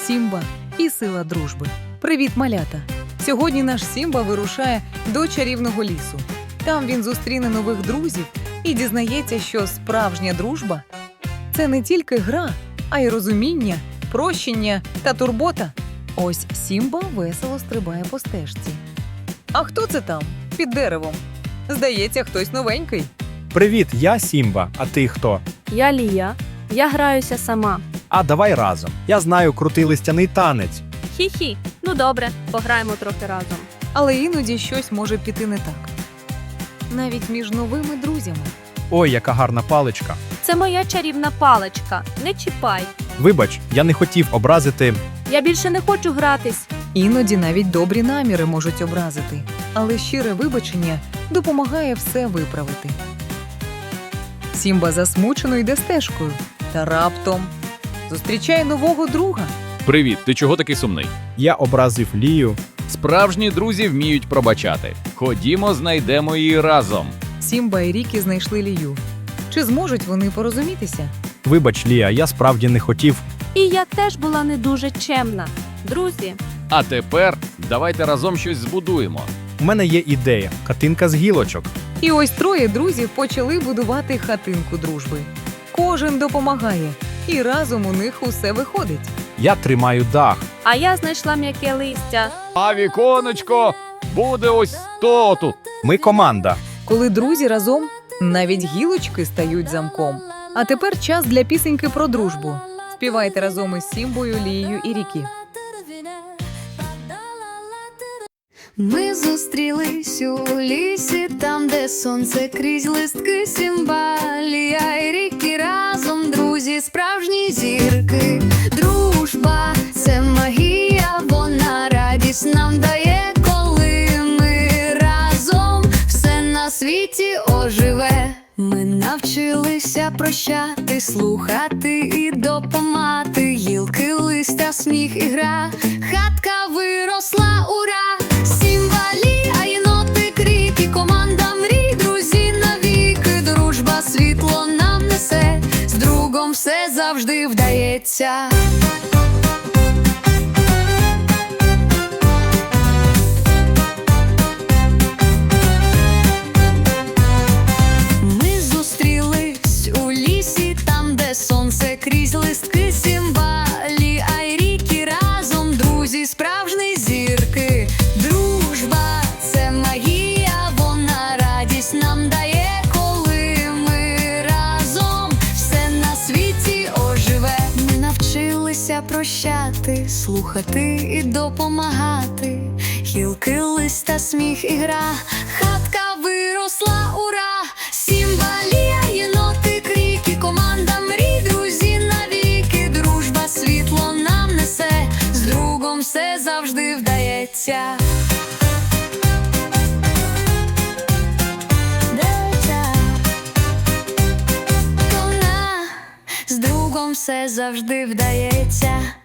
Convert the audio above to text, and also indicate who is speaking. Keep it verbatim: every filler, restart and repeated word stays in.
Speaker 1: Сімба і сила дружби. Привіт, малята! Сьогодні наш Сімба вирушає до чарівного лісу. Там він зустріне нових друзів і дізнається, що справжня дружба – це не тільки гра, а й розуміння, прощення та турбота. Ось Сімба весело стрибає по стежці. А хто це там, під деревом? Здається, хтось новенький.
Speaker 2: Привіт, я Сімба, а ти хто?
Speaker 3: Я Лія. Я граюся сама.
Speaker 2: А давай разом. Я знаю крутий листяний танець.
Speaker 3: Хі-хі. Ну добре, пограємо трохи разом.
Speaker 1: Але іноді щось може піти не так. Навіть між новими друзями.
Speaker 2: Ой, яка гарна паличка.
Speaker 3: Це моя чарівна паличка. Не чіпай.
Speaker 2: Вибач, я не хотів образити.
Speaker 3: Я більше не хочу гратись.
Speaker 1: Іноді навіть добрі наміри можуть образити, але щире вибачення допомагає все виправити. Сімба засмучено йде стежкою, та раптом зустрічає нового друга.
Speaker 4: Привіт, ти чого такий сумний?
Speaker 2: Я образив Лію.
Speaker 4: Справжні друзі вміють пробачати. Ходімо, знайдемо її разом.
Speaker 1: Сімба і Рікі знайшли Лію. Чи зможуть вони порозумітися?
Speaker 2: Вибач, Лія, я справді не хотів.
Speaker 3: І я теж була не дуже чемна. Друзі,
Speaker 4: А тепер давайте разом щось збудуємо.
Speaker 2: У мене є ідея – хатинка з гілочок.
Speaker 1: І ось троє друзів почали будувати хатинку дружби. Кожен допомагає, і разом у них усе виходить.
Speaker 2: Я тримаю дах.
Speaker 3: а я знайшла м'яке листя.
Speaker 4: А віконечко буде ось то тут.
Speaker 2: Ми команда.
Speaker 1: Коли друзі разом, навіть гілочки стають замком. А тепер час для пісеньки про дружбу. Співайте разом із Сімбою, Лією і Рікі.
Speaker 5: Ми зустрілись у лісі, там, де сонце крізь листки. Сімба, Лія і Рікі разом, друзі, справжні зірки. Дружба – це магія, вона радість нам дає, коли ми разом, все на світі оживе. Ми навчилися прощати, слухати і допомагати. Гілки, листя, сміх і гра, хатка виросла, ура! Сімба, Лія, єнотик, Рікі, команда мрій, друзі навіки. Дружба світло нам несе, з другом все завжди вдається. Ми зустрілись у лісі, там, де сонце крізь листки. Сімба, Лія і Рікі разом, друзі, справжні зірки. Дружба – це магія, вона радість нам дає, коли ми разом, все на світі оживе. Ми навчилися прощати, слухати і допомагати. Гілки, листя, сміх і гра, хатка виросла, ура! Сімба, Лія, єнотик, Рікі, команда мрій, друзі навіки. Дружба світло нам несе, з другом все завжди вдається. Вдається. Вона, з другом все завжди вдається.